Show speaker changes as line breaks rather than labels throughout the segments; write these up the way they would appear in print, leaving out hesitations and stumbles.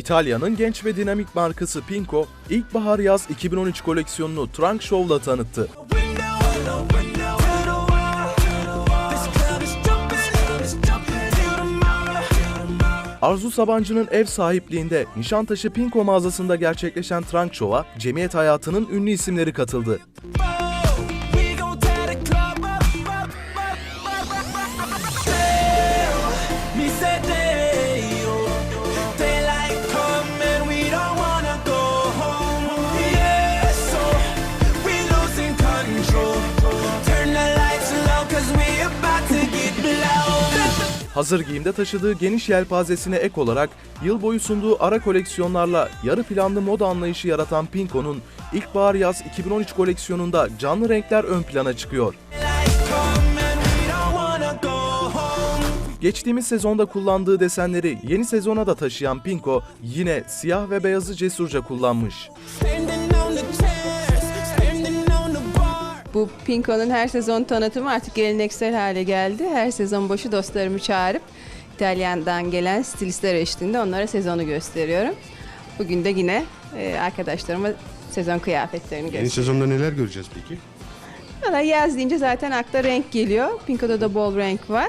İtalya'nın genç ve dinamik markası Pinko, ilkbahar-yaz 2013 koleksiyonunu Trunk Show'la tanıttı. Arzu Sabancı'nın ev sahipliğinde Nişantaşı Pinko mağazasında gerçekleşen Trunk Show'a cemiyet hayatının ünlü isimleri katıldı. Hazır giyimde taşıdığı geniş yelpazesine ek olarak yıl boyu sunduğu ara koleksiyonlarla yarı planlı moda anlayışı yaratan Pinko'nun ilkbahar-yaz 2013 koleksiyonunda canlı renkler ön plana çıkıyor. Geçtiğimiz sezonda kullandığı desenleri yeni sezona da taşıyan Pinko yine siyah ve beyazı cesurca kullanmış.
Bu Pinko'nun her sezon tanıtımı artık geleneksel hale geldi. Her sezon başı dostlarımı çağırıp İtalyan'dan gelen stilistler eşliğinde onlara sezonu gösteriyorum. Bugün de yine arkadaşlarıma sezon kıyafetlerini gösteriyorum.
Yeni sezonda neler göreceğiz peki?
Valla yaz deyince zaten akla renk geliyor. Pinko'da da bol renk var.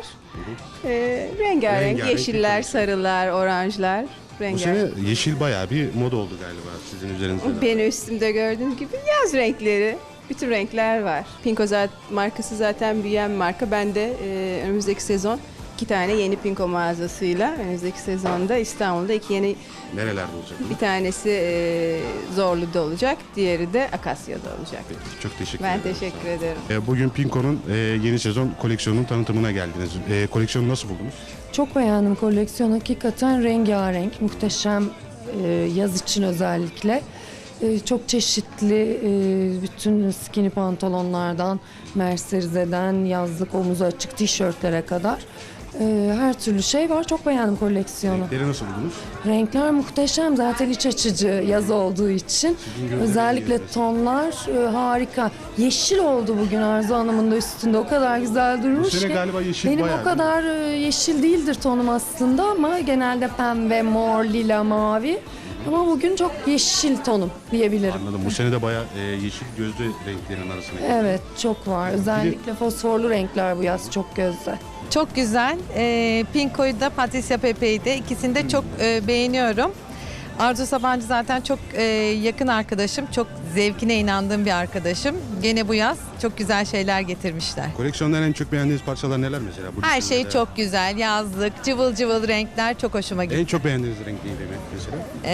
Rengarenk yeşiller, sarılar, oranjlar.
Bu sene yeşil bayağı bir moda oldu galiba sizin üzerinizde.
Beni üstümde gördüğünüz gibi yaz renkleri. Bütün renkler var. Pinko markası zaten büyüyen bir marka. Ben de önümüzdeki sezon 2 tane yeni Pinko mağazasıyla önümüzdeki sezonda İstanbul'da 2 yeni.
Nerelerde olacak?
Bir tanesi Zorlu'da olacak, diğeri de Akasya'da olacak.
Peki, çok teşekkür
Ben
ederim.
teşekkür ederim.
Bugün Pinko'nun yeni sezon koleksiyonunun tanıtımına geldiniz. Koleksiyonu nasıl buldunuz?
Çok beğendim koleksiyon. Hakikaten rengarenk, muhteşem yaz için özellikle. Çok çeşitli bütün skinny pantolonlardan, merserize'den yazlık omuzu açık tişörtlere kadar her türlü şey var. Çok beğendim koleksiyonu.
Renkleri nasıl buldunuz?
Renkler muhteşem. Zaten iç açıcı yaz olduğu için. Özellikle tonlar harika. Yeşil oldu bugün Arzu Hanım'ın da üstünde. O kadar güzel durmuş
Bu sene
ki.
galiba yeşil
Benim
bayağı
o kadar yeşil değildir tonum aslında ama genelde pembe, mor, lila, mavi. Ama bugün çok yeşil tonum diyebilirim.
Anladım. Bu sene de bayağı yeşil gözlü renklerin arasına girdi.
Evet, çok var. Özellikle fosforlu renkler bu yaz çok gözde.
Çok güzel. Pinko'yu da Patricia Pepe'yi de ikisini de çok beğeniyorum. Arzu Sabancı zaten çok yakın arkadaşım. Çok zevkine inandığım bir arkadaşım. Gene bu yaz çok güzel şeyler getirmişler.
Koleksiyondan en çok beğendiğiniz parçalar neler mesela? Bu
Her
listede?
şey çok güzel. Yazlık, cıvıl cıvıl renkler çok hoşuma gitti.
En çok beğendiğiniz renk neydi mesela?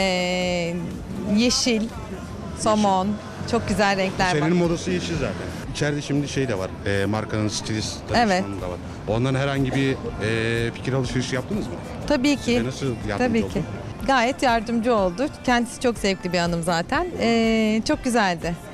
Yeşil, somon, çok güzel renkler var.
Senin modası yeşil zaten. İçeride şimdi şey de var. Markanın stilist danışmanı da var. Ondan herhangi bir fikir alışverişi yaptınız mı?
Tabii ki.
Size nasıl yardımcı
Tabii
oldu?
ki. Gayet yardımcı oldu. Kendisi çok zevkli bir hanım zaten. Çok güzeldi.